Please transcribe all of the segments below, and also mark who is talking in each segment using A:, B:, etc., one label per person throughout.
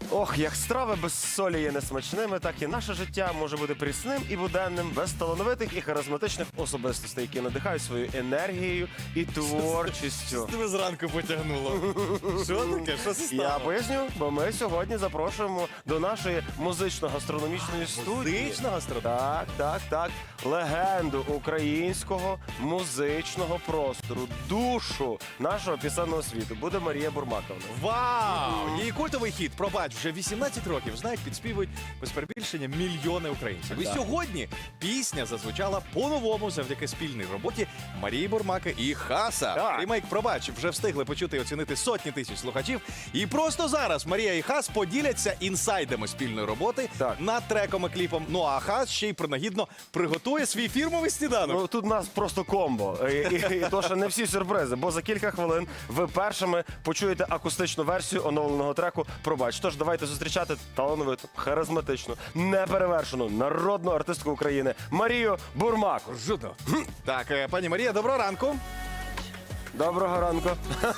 A: Ох, як страви без солі є несмачними, так і наше життя може бути прісним і буденним, без талановитих і харизматичних особистостей, які надихають своєю енергією і творчістю.
B: Тебе зранку потягнуло. Що таке? Що це стало?
A: Я поясню, бо ми сьогодні запрошуємо до нашої музично-гастрономічної студії.
B: Музична гастрономія?
A: Так. Легенду українського музичного простору, душу нашого пісенного світу буде Марія Бурмаковна.
B: Вау! Її культовий хіт «Пробач» вже 18 років знають, підспівують без перебільшення мільйони українців. І сьогодні пісня зазвучала по-новому завдяки спільній роботі Марії Бурмаки і Хаса.
A: Так.
B: Ремейк «Пробач» вже встигли почути і оцінити сотні тисяч слухачів. І просто зараз Марія і Хас поділяться інсайдами спільної роботи над треком і кліпом. Ну а Хас ще й принагідно приготує свій фірмовий сніданок.
A: Ну, тут у нас просто комбо. І то, що не всі сюрпризи, бо за кілька хвилин ви першими почуєте акустичну версію оновленого треку «Пробач». Тож давайте зустрічати талановиту, харизматичну, неперевершену народну артистку України Марію Бурмаку.
B: Жудно. Так, пані Марія, доброго ранку.
A: Доброго ранку.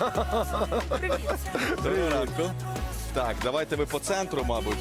B: Доброго ранку. Так, давайте ви по центру, мабуть.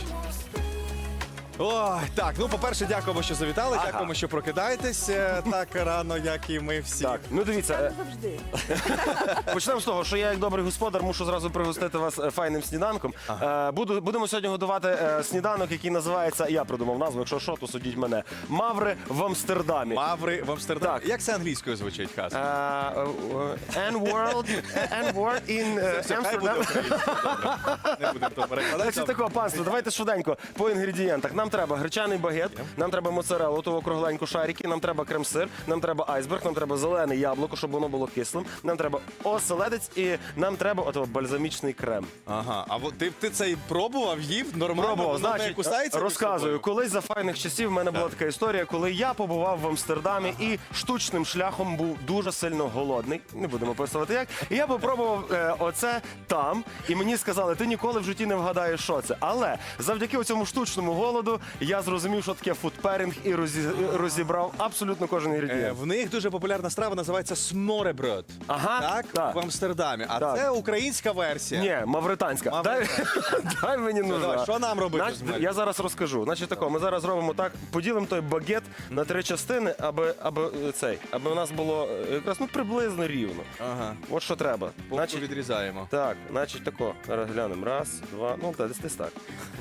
B: Ой, так, ну, по-перше, дякуємо, що завітали, дякуємо, що прокидаєтесь так рано, як і ми всі.
A: Так, ну дивіться,
C: Завжди.
A: почнемо з того, що я як добрий господар мушу зразу пригостити вас файним сніданком. Будемо сьогодні готувати сніданок, який називається, я придумав назву, якщо що, то судіть мене, «Маври в Амстердамі».
B: Маври в Амстердамі.
A: Так.
B: Як це англійською звучить, Хас?
A: N-word in
B: Все, хай буде
A: Amsterdam.
B: українською, добре. Не будемо то перекладати.
A: Значить, такого, панство, давайте швиденько по інгредієнтах. Нам треба гречаний багет, нам треба моцареллу, того кругленьку шарики, нам треба крем-сир, нам треба айсберг, нам треба зелене яблуко, щоб воно було кислим, нам треба оселедець і нам треба отого бальзамічний крем.
B: Ага, а ти це і пробував, їв? Нормально? Воно не кусається між
A: розказую.
B: собою?
A: Колись за файних часів в мене була така історія, коли я побував в Амстердамі і штучним шляхом був дуже сильно голодний. Не будемо описувати як. І я попробував оце там, і мені сказали, ти ніколи в житті не вгадаєш, що це. Але завдяки цьому штучному голоду я зрозумів, що таке фудперінг і розібрав абсолютно кожен інгредієнт.
B: В них дуже популярна страва називається смореброд.
A: Ага, так.
B: В Амстердамі. А
A: Так.
B: це українська версія.
A: Ні, мавританська. Дай мені нужна.
B: Давай, що нам робити з мене?
A: Я зараз розкажу. Значить тако, ми зараз робимо так, поділимо той багет на 3 частини, аби у нас було якраз приблизно рівно.
B: Ага.
A: От що треба.
B: Значить, відрізаємо.
A: Так, значить тако. Зараз глянемо. Раз, два, ну десь так.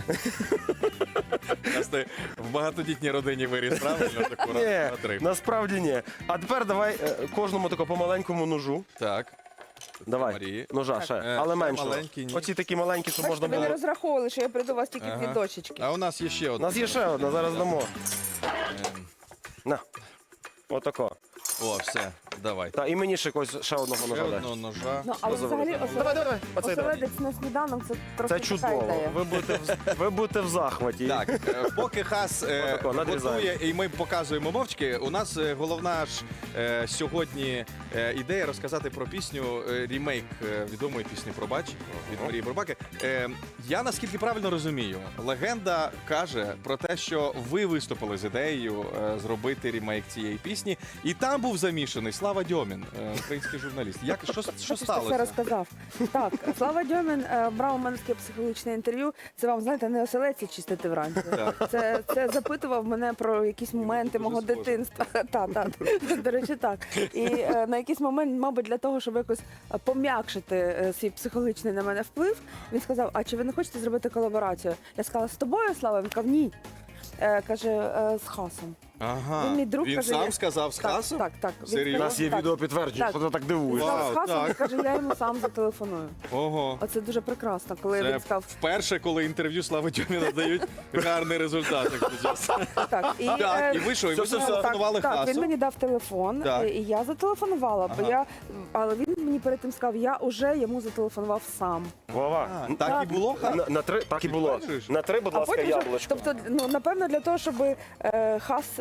B: Ти в багатодітній родині виріс, правильно? Таку
A: Ні,
B: на 3.
A: насправді ні. А тепер давай кожному тако по маленькому ножу.
B: Так.
A: Давай,
B: Марії.
A: ножа ще, але
B: ще
A: менше.
B: маленький, ні.
A: Оці такі маленькі, щоб
C: Бачите,
A: можна
C: ви не
A: було.
C: розраховували, що я прийду у вас тільки
B: Ага.
C: дві дочечки.
B: А у нас є ще
A: У
B: одна.
A: нас є ще одна, зараз дамо. На. Отако.
B: О, все, давай.
A: Та і мені ще ще одного
B: Ще
A: ножа дай.
B: одного ножа.
C: Ну, але взагалі
A: Давай. Оцей давай.
C: оселедець на сніданок це трохи
A: Це
C: така
A: чудово.
C: ідея.
A: Ви будете в захваті.
B: Так, поки Хас
A: Отако, надрізаємо.
B: готує і ми показуємо мовчки, у нас головна ж сьогодні ідея розказати про пісню, ремейк відомої пісні «Пробач» від Марії Бурмаки. Я наскільки правильно розумію, легенда каже про те, що ви виступили з ідеєю зробити ремейк цієї пісні, і там був замішаний Слава Дьомін, український журналіст. Що
C: Ти все
B: сталося?
C: розказав. Так, Слава Дьомін брав у мене таке психологічне інтерв'ю. Це вам, знаєте, не оселедці чистити вранці. Це запитував мене про якісь моменти мого
B: схоже.
C: дитинства. До речі, так. І на якийсь момент, мабуть, для того, щоб якось пом'якшити свій психологічний на мене вплив, він сказав, а чи ви не хочете зробити колаборацію? Я сказала, з тобою, Слава? Він сказав, ні. Каже, з Хасом.
B: Ага.
C: Він мій друг,
B: Він
C: каже,
B: сам
C: я-
B: сказав з Хасом?
C: Так. Він
B: Серйозно?
A: У нас є
C: так.
A: відео підтвердження,
C: Так.
A: що ти так дивуєш.
B: Вау.
C: Сказав з Хасом,
B: так.
C: і каже, я йому сам зателефоную.
B: Ого.
C: Оце дуже прекрасно, коли
B: Це
C: він сказав,
B: вперше, коли інтерв'ю Слави Дьоміна дають гарний результат. як кажуть.
C: так.
B: Так, і ви що, і ви
A: Все.
B: зателефонували
C: Так,
B: Хасу?
C: він мені дав телефон,
B: Так.
C: і я зателефонувала, але він мені перед тим сказав, я вже йому зателефонував сам.
A: Вова.
B: Так і було, Хас?
A: На 3, так і було.
B: Підтверджуєш?
A: На 3, будь ласка,
C: вже,
A: яблучко.
C: тобто, напевно, для того, щоб Хас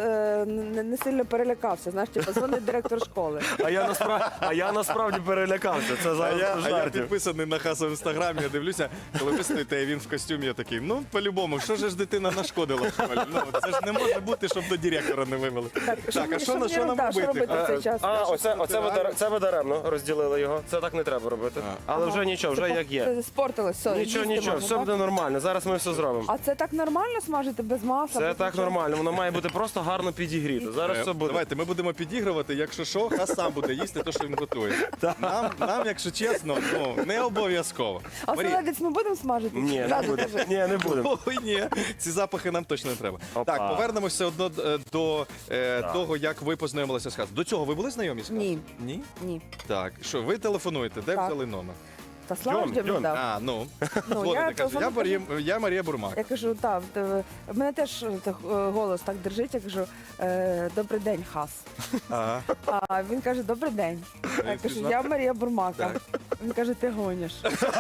C: не сильно перелякався. Знаєш, типу, дзвонить директор школи.
A: А я насправді перелякався. Це
B: А
A: зараз
B: я
A: жартів.
B: підписаний на Хаса в інстаграмі, я дивлюся, коли ви стоїте, і він в костюмі, я такий, ну, по-любому, що ж дитина нашкодила в школі? Ну, це ж не може бути, щоб до директора не вивели. Так, а що нам робити?
C: в цей час?
A: Це ви даремно розділили його. Це так не треба робити. Але вже нічого, вже як є.
C: Це спортилось, все.
A: Нічого,
C: їсти
A: нічого,
C: можна,
A: все
C: так?
A: буде нормально. Зараз ми все зробимо.
C: А це так нормально смажити без масла?
A: Це
C: без
A: так
C: нічого?
A: нормально, воно має бути просто гарно підігріто. Зараз все буде.
B: Давайте, ми будемо підігрувати, якщо що, Хас сам буде їсти те, що він готує. Нам, якщо чесно, ну, не обов'язково.
C: А
B: Марія,
C: оселедець ми будемо смажити?
A: Ні, не
C: Зразу
A: будемо.
C: кажи.
A: Ні, не будемо.
B: Ой, ні, ці запахи нам точно не треба.
A: Опа.
B: Так, повернемося одно до того, як ви познайомилися з Хасом. До цього ви були знайомі з Хасом?
C: Ні.
B: Ні?
C: Ні.
B: Так, що, ви телефонуєте, де
C: Так.
B: взяли номер?
C: Та слава
A: Дьом,
C: ж Дьомі
A: Дьом.
C: дав.
B: А, ну,
C: Ну,
B: дзвоните,
C: я
B: каже,
C: телефоную,
B: я Марія Бурмак.
C: Я кажу, так, в мене теж голос так держить, я кажу, добрий день, Хас.
B: Ага.
C: А він каже, добрий день. А я кажу,
B: пізнав?
C: я Марія Бурмака.
B: Так.
C: Він каже, ти гониш.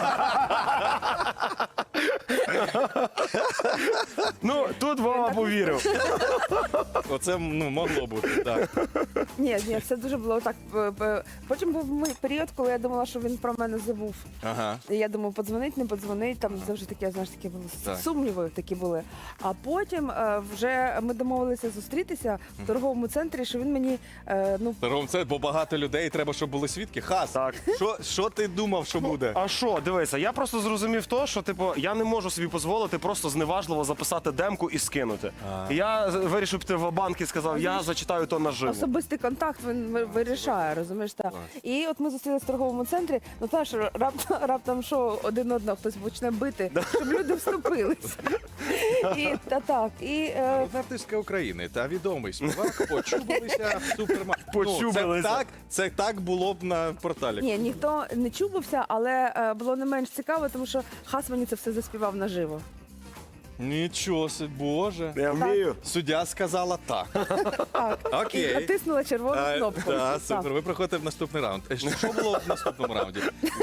A: Ну, тут Вова повірив.
B: Оце, ну, могло бути, так.
C: Ні, все дуже було так. Потім був період, коли я думала, що він про мене забув.
B: Ага.
C: І я думаю, подзвонить, не подзвонить, там завжди такі, знаєш, такі були
B: Так.
C: сумніви такі були. А потім вже ми домовилися зустрітися в торговому центрі, що він мені,
B: Ром, це, бо багато людей, треба, щоб були свідки. Хас,
A: Так.
B: що ти думав, що буде?
A: А що, дивися, я просто зрозумів то, що типу я не можу собі дозволити просто зневажливо записати демку і скинути. І я вирішив піти в банк і сказав, я зачитаю то наживо.
C: особистий контакт він вирішає, розумієш? Так. І от ми зустрілися в торговому центрі, ну знаєш, раптом що один одного хтось почне бити, щоб люди вступилися. І
B: Артистка України та відомий співак почубилися в супермаркеті.
A: Почубилися.
B: Це так було б на порталі.
C: ні, ніхто не чубився, але було не менш цікаво, тому що Хас мені це все заспівав наживо.
B: Нічого собі, Боже.
A: Я вмію.
B: Суддя сказала так.
C: Так.
B: Окей.
C: І натиснула червону кнопку.
B: Так,
C: Так.
B: супер. Ви приходите в наступний раунд. Що було в наступному раунді?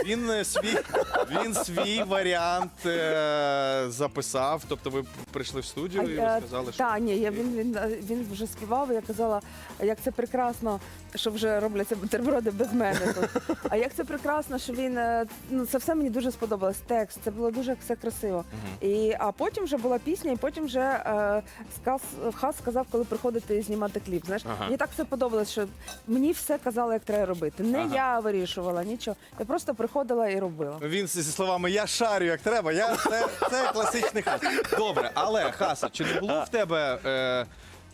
B: Він свій варіант записав, тобто ви прийшли в студію і ви сказали, що...
C: Так, ні, він вже співав, і я казала, як це прекрасно, що вже робляться бутерброди без мене тут. А як це прекрасно, що він, ну це все мені дуже сподобалось, текст, це було дуже все красиво. А потім вже була пісня, і потім вже Хас сказав, коли приходити знімати кліп. Знаєш, мені так все подобалось, що мені все казали, як треба робити. Не я вирішувала нічого. Я просто приходила і робила.
B: Він зі словами «я шарю, як треба», це класичний Хас. Добре, але, Хаса, чи не було в тебе...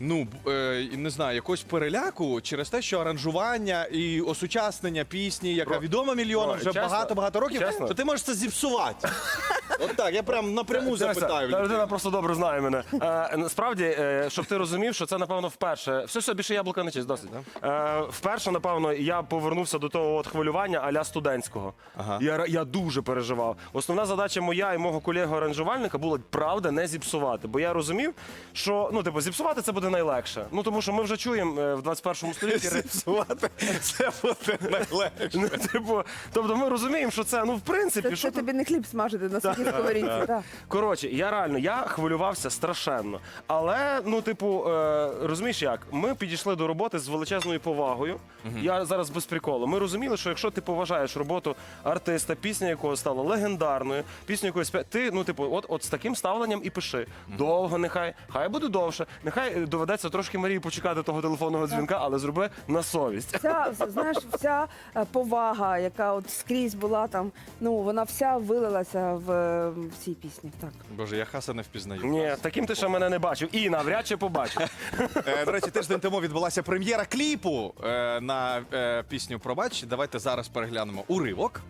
B: не знаю, якогось переляку через те, що аранжування і осучаснення пісні, яка відома мільйонам вже
A: чесно?
B: багато-багато років,
A: Чесно?
B: що ти можеш це зіпсувати. От так, я прям напряму запитаю.
A: Та людина просто добре знає мене. Насправді, щоб ти розумів, що це, напевно, вперше. Все, більше яблука не чисть, досить. Вперше, напевно, я повернувся до того от хвилювання а-ля студентського.
B: Ага.
A: Я дуже переживав. Основна задача моя і мого колеги-аранжувальника була, правда, не зіпсувати. Бо я розумів, що, зіпсувати це буде найлегше. Ну, тому що ми вже чуємо в 21 столітті...
B: Зіпсувати це буде найлегше.
A: Тобто ми розуміємо, що це, в принципі...
C: Це тобі не хліб смажити на сухій сковорідці. так.
A: Коротше, я хвилювався страшенно. Але, розумієш як, ми підійшли до роботи з величезною повагою. Я зараз без приколу. Ми розуміли, що якщо ти поважаєш роботу артиста, пісня якого стала легендарною, пісню якої ти, от з таким ставленням і пиши. Довго нехай буде довше. Нехай доведеться трошки Марії почекати того телефонного дзвінка, але зроби на совість.
C: Вся повага, яка от скрізь була там, вона вся вилилася в цій пісні. Так.
B: Боже, я Хаса не впізнаю.
A: Ні, таким ти ще мене не бачив. І навряд чи побачив.
B: До речі, тиждень тому відбулася прем'єра кліпу на пісню «Пробач». Давайте зараз переглянемо уривок.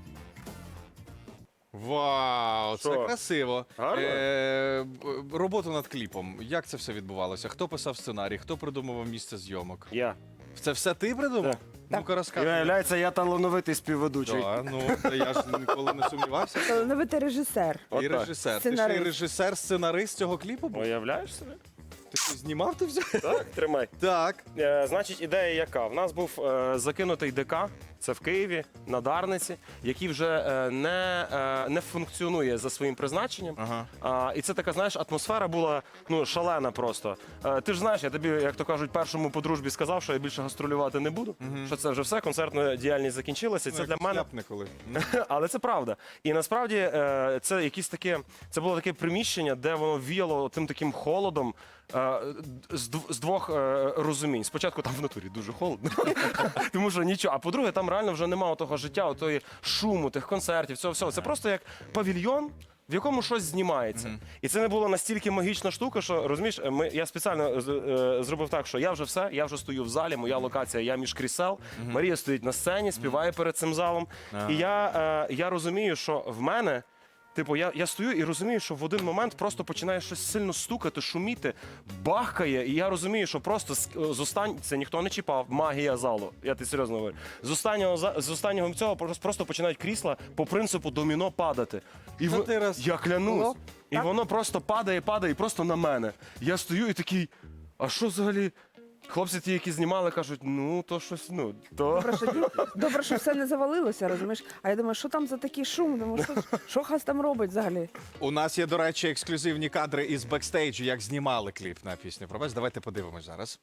B: Вау, це
A: Що?
B: красиво.
A: Гарно?
B: Роботу над кліпом. Як це все відбувалося? Хто писав сценарій? Хто придумував місце зйомок?
A: Я.
B: Це все ти придумав?
A: Так.
B: Ну-ка розказуй.
A: Виявляється, я талановитий співведучий.
B: Та я ж ніколи не сумнівався.
C: Талановитий режисер.
B: І
A: Отак.
B: режисер. Ти ще й
C: Сценарист.
B: режисер, сценарист цього кліпу був?
A: Уявляєш собі?
B: Ти Ти знімав ти все?
A: Так, тримай.
B: Так.
A: Значить, ідея яка? В нас був закинутий ДК, це в Києві, на Дарниці, який вже не функціонує за своїм призначенням.
B: Ага.
A: І це така, знаєш, атмосфера була шалена просто. Ти ж знаєш, я тобі, як то кажуть, першому по дружбі сказав, що я більше гастролювати не буду, що це вже все, концертна діяльність закінчилася. І це для мене.
B: Коли.
A: Але це правда. І насправді це якісь таке, це було таке приміщення, де воно віяло тим таким холодом з двох розумінь. Спочатку там в натурі дуже холодно, тому що нічого. А по-друге, там реально вже немає того життя, тої шуму, тих концертів, цього всього. Це просто як павільйон, в якому щось знімається. І це не була настільки магічна штука, що, розумієш, я спеціально зробив так, що я вже все, я вже стою в залі, моя локація, я між крісел, Марія стоїть на сцені, співає перед цим залом. І я розумію, що в мене, типу, я стою і розумію, що в один момент просто починає щось сильно стукати, шуміти, бахкає, і я розумію, що просто це ніхто не чіпав, магія залу, я ти серйозно говорю. З останнього цього просто починають крісла по принципу доміно падати. І я клянусь, і воно просто падає, і просто на мене. Я стою і такий, а що взагалі? Хлопці ті, які знімали, кажуть, то щось, то...
C: Добре, що все не завалилося, розумієш? А я думаю, що там за такий шум? Думаю, що Хас там робить взагалі?
B: У нас є, до речі, ексклюзивні кадри із бекстейджу, як знімали кліп на пісню «Пробач». Давайте подивимось зараз.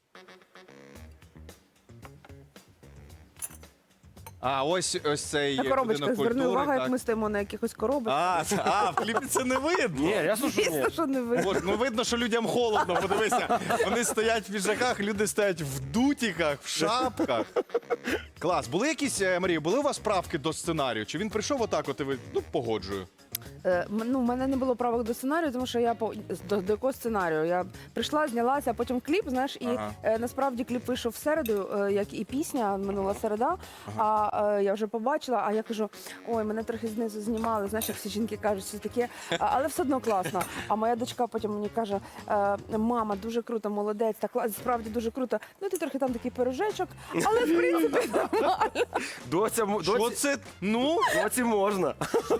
B: А, ось цей
C: На коробочках,
B: будинок
C: зверни
B: культури.
C: увагу, як
B: Так.
C: ми стоїмо на якихось коробочках.
B: В кліпі це не видно.
A: Ні, я слушаю, ні.
C: Звісно, що не видно.
B: От, видно, що людям холодно, подивися. Вони стоять в піджаках, люди стоять в дутіках, в шапках. Клас. Були якісь, Марія, були у вас правки до сценарію? Чи він прийшов отак, от і ви, погоджую?
C: В мене не було правок до сценарію, тому що я до якого сценарію. Я прийшла, знялася, а потім кліп, знаєш, і насправді кліп вийшов в середу, як і пісня, минула середа, а я вже побачила, а я кажу, ой, мене трохи знизу знімали, знаєш, як всі жінки кажуть, що таке, але все одно класно. А моя дочка потім мені каже, мама, дуже круто, молодець, так справді дуже круто. Ти трохи там такий пирожечок, але в принципі нормально.
B: Що це?
A: Доці можна.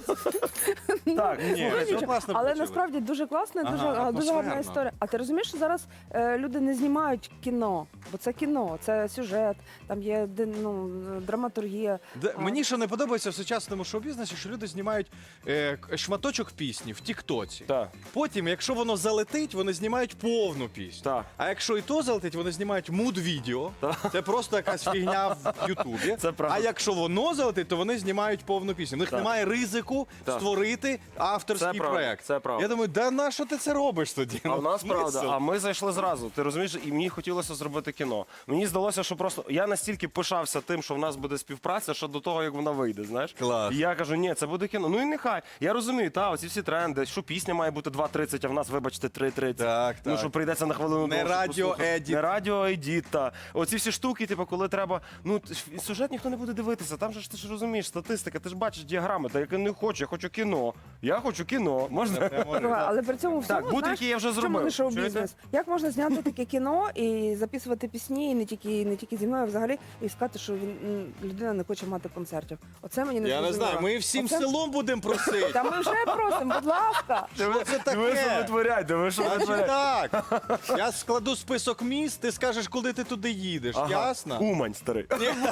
A: Так,
B: Ні,
C: Ну,
B: це
C: нічого.
B: класно
C: Але
B: вийшло.
C: насправді дуже класно, і дуже
B: атмосферно.
C: гарна історія. А ти розумієш, що зараз люди не знімають кіно, бо це кіно, це сюжет, там є драматургія.
B: Мені що не подобається в сучасному шоу-бізнесі, що люди знімають шматочок пісні в Тіктоці.
A: Так.
B: Потім, якщо воно залетить, вони знімають повну пісню.
A: Так.
B: А якщо і то залетить, вони знімають муд-відео. Це просто якась фігня в Ютубі.
A: Це правда.
B: А якщо воно залетить, то вони знімають повну пісню. В них
A: Так.
B: немає ризику
A: Так.
B: створити авторський
A: Це правда,
B: проект.
A: це правда.
B: Я думаю, да на що ти це робиш тоді?
A: А в нас
B: Смисл?
A: правда, а ми зайшли зразу. Ти розумієш, і мені хотілося зробити кіно. Мені здалося, що просто я настільки пишався тим, що в нас буде співпраця, що до того, як вона вийде, знаєш.
B: Клас.
A: І я кажу, ні, це буде кіно. Ну і нехай. Я розумію, оці всі тренди, що пісня має бути 2:30, а в нас, вибачте, 3:30.
B: Так,
A: Ну,
B: так.
A: що прийдеться на хвилину.
B: Не
A: довше
B: радіоедіт.
A: послухати. Не радіоедіт, та. Оці всі штуки, типу, коли треба, сюжет ніхто не буде дивитися. Там же ж ти ж розумієш, статистика, ти ж бачиш діаграми, та я не хочу, я хочу кіно. Я хочу кіно. Можна?
C: Але при цьому всьому,
A: Так, бутрики я вже
C: в чому
A: зробив.
C: не шоу-бізнес?
A: Чуєте?
C: Як можна зняти таке кіно і записувати пісні, і не тільки зі мною, а взагалі, і сказати, що людина не хоче мати концертів. Оце мені не
B: Я не
C: зрозуміло.
B: знаю, ми всім
C: Оце-
B: селом будемо просити.
C: Та ми вже просимо, будь ласка.
B: Що це
A: Диви, що
B: таке?
A: витворяють, диви, що
B: Значить
A: витворяють.
B: так. Я складу список міст, ти скажеш, коли ти туди їдеш. Ясно?
A: Умань, старий.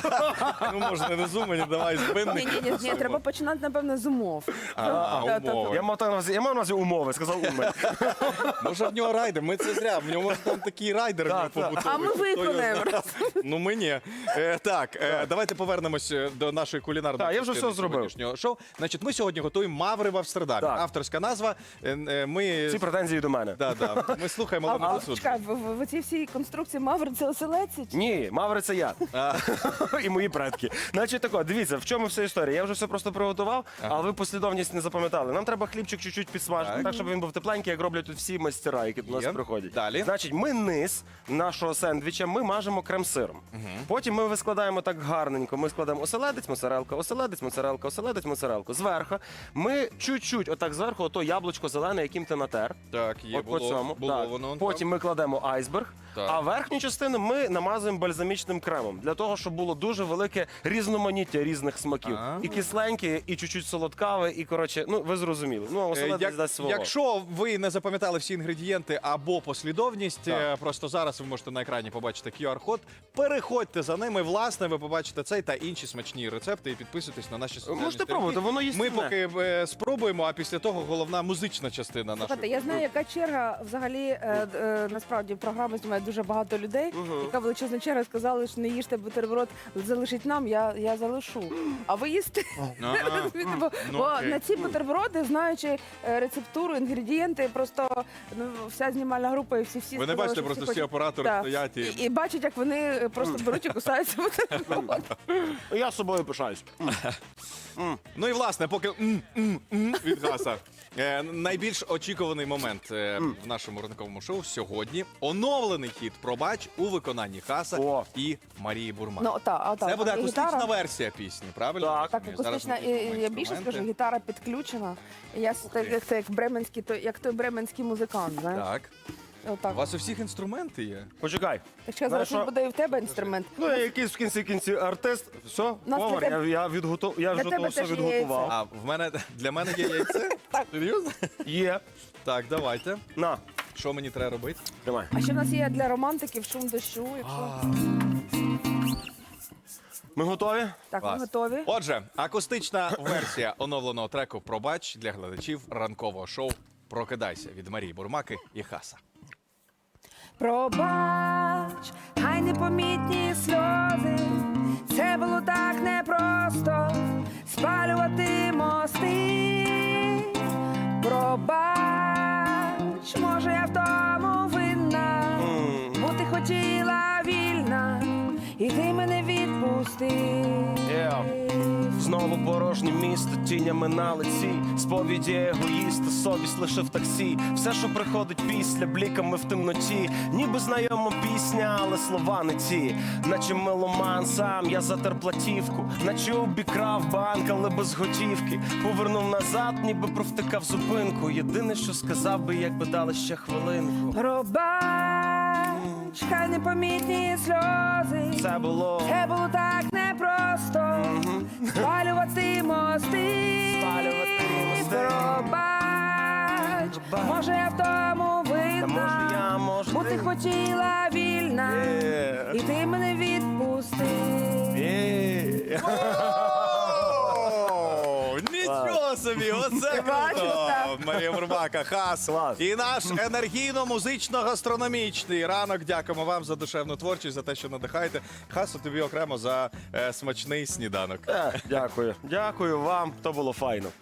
B: Ну, можна не з Умані, давай з Винника.
C: Ні, треба починати, напевно, з умов.
B: Умови.
A: Я мав на увазі умови, сказав Умань.
B: Може в нього райдер, ми це зря. В нього там такий райдер в нього
A: Так, так.
B: побутовий.
C: А ми
B: Хто його
C: виконаємо.
B: знає? Ну ми ні. Так, давайте повернемось до нашої кулінарної
A: Так, я вже
B: частини
A: все зробив.
B: сьогоднішнього шоу. Значить, ми сьогодні готуємо маври в Амстердамі.
A: Так.
B: Авторська назва. Ми...
A: Всі претензії до мене.
B: Ми слухаємо
C: А
B: Олену Суд.
C: чекай, в цій всій конструкції Мавр це оселедці?
A: Ні, Маври це я. І мої предки. Значить тако, дивіться, в чому вся історія. Я вже все просто приготував, але ви послідовність не запам'ятали. Нам треба хлібчик чуть-чуть підсмажити, так, щоб він був тепленький, як роблять тут всі майстера, які до нас
B: Є.
A: приходять.
B: Далі.
A: Значить, ми низ нашого сендвіча ми мажемо крем-сиром. Потім ми складаємо так гарненько. Ми складаємо оселедець, моцарелка, оселедець, моцарелка, оселедець, моцарелку. Зверху ми чуть-чуть, отак зверху, ото яблучко зелене, яким ти натер.
B: Так, є,
A: От по цьому.
B: було
A: Так.
B: воно.
A: Потім ми кладемо айсберг.
B: Так.
A: А верхню частину ми намазуємо бальзамічним кремом для того, щоб було дуже велике різноманіття різних смаків.
B: А.
A: І кисленьке, і чуть-чуть солодкаве, і коротше, ну ви зрозуміли. Ну, оселедець дасть свого.
B: Якщо ви не запам'ятали всі інгредієнти або послідовність,
A: Так.
B: просто зараз ви можете на екрані побачити QR-код, переходьте за ними, власне, ви побачите цей та інші смачні рецепти і підписуйтесь на наші соціальні
A: Можете
B: сторінки.
A: пробувати, воно їстівне.
B: Ми поки спробуємо, а після того головна музична частина нашої.
C: Слухайте, я знаю, яка черга взагалі насправді програми знімає дуже багато людей. Яка величезна черга, сказали, що не їжте бутерброд, залишіть нам, я залишу. А ви їсте?
B: Ну,
C: Бо
B: окей.
C: на ці бутерброди, знаючи рецептуру, інгредієнти, просто вся знімальна група і всі
B: Ви не
C: сказали,
B: бачите,
C: що
B: просто
C: всі
B: всі
C: хочуть.
B: оператори
C: Так.
B: стоять і...
C: І бачать, як вони просто беруть і кусаються бутерброд.
A: Я собою пишаюсь.
B: Ну і власне, поки від гаса. Найбільш очікуваний момент в нашому ранковому шоу сьогодні оновлений хіт «Пробач» у виконанні Хаса
A: О.
B: і Марії Бурман.
C: Ну, так,
B: Це буде
C: і
B: акустична
C: гітара.
B: версія пісні, правильно?
A: Так.
C: Так,
B: Зараз ми
C: акустична,
B: включимо
C: і я більше
B: інструменти.
C: скажу, гітара підключена. І я як бременський, як той бременський музикант, знаєш?
B: Так. У
C: Отак.
B: вас у всіх інструменти є?
A: Почекай.
C: Так що зараз
A: Знаєш,
C: буде і в тебе інструмент.
A: Ну, я якийсь в кінці артист. Все,
C: Нас
A: повар,
C: для тебе-
A: я вже
C: для
A: то
C: тебе
A: все
C: теж є
A: відготував.
B: А для мене є яйце? Серйозно?
A: Є.
B: Так, давайте.
A: На,
B: Що мені треба робити?
A: тримай.
C: А ще в нас є для романтиків шум дощу. Якщо
A: Ми готові?
C: так, ми
B: Клас.
C: готові.
B: Отже, акустична версія оновленого треку «Пробач» для глядачів ранкового шоу «Прокидайся» від Марії Бурмаки і Хаса.
C: Пробач, хай непомітні сльози. Це було так непросто спалювати мости. Пробач, може я в тому винна, бо ти хотіла вільна, і ти мене відпустив.
A: Знову порожнє місто, тінями на лиці, сповіді егоїста, совість лише в таксі. Все, що приходить після, бліками в темноті, ніби знайома пісня, але слова не ті. Наче меломан сам, я затер платівку, наче обікрав банк, але без готівки. Повернув назад, ніби провтикав зупинку. Єдине, що сказав би, якби дали ще хвилинку.
C: Пробач, хай непомітні сльози.
A: Це було
C: Так непросто спалювати мости.
A: Спалювати мости.
C: Пробач, може я в тому
A: Та може я,
C: винна,
A: може
C: бо ти хотіла вільна, і ти мене відпустив.
B: Нічого собі, оце
C: Бачиш,
B: круто!
C: так.
B: Марія Бурмака, Хас.
A: Клас.
B: І наш енергійно-музично-гастрономічний ранок. Дякуємо вам за душевну творчість, за те, що надихаєте. Хасу, тобі окремо за смачний сніданок.
A: Дякую. Дякую вам, то було файно.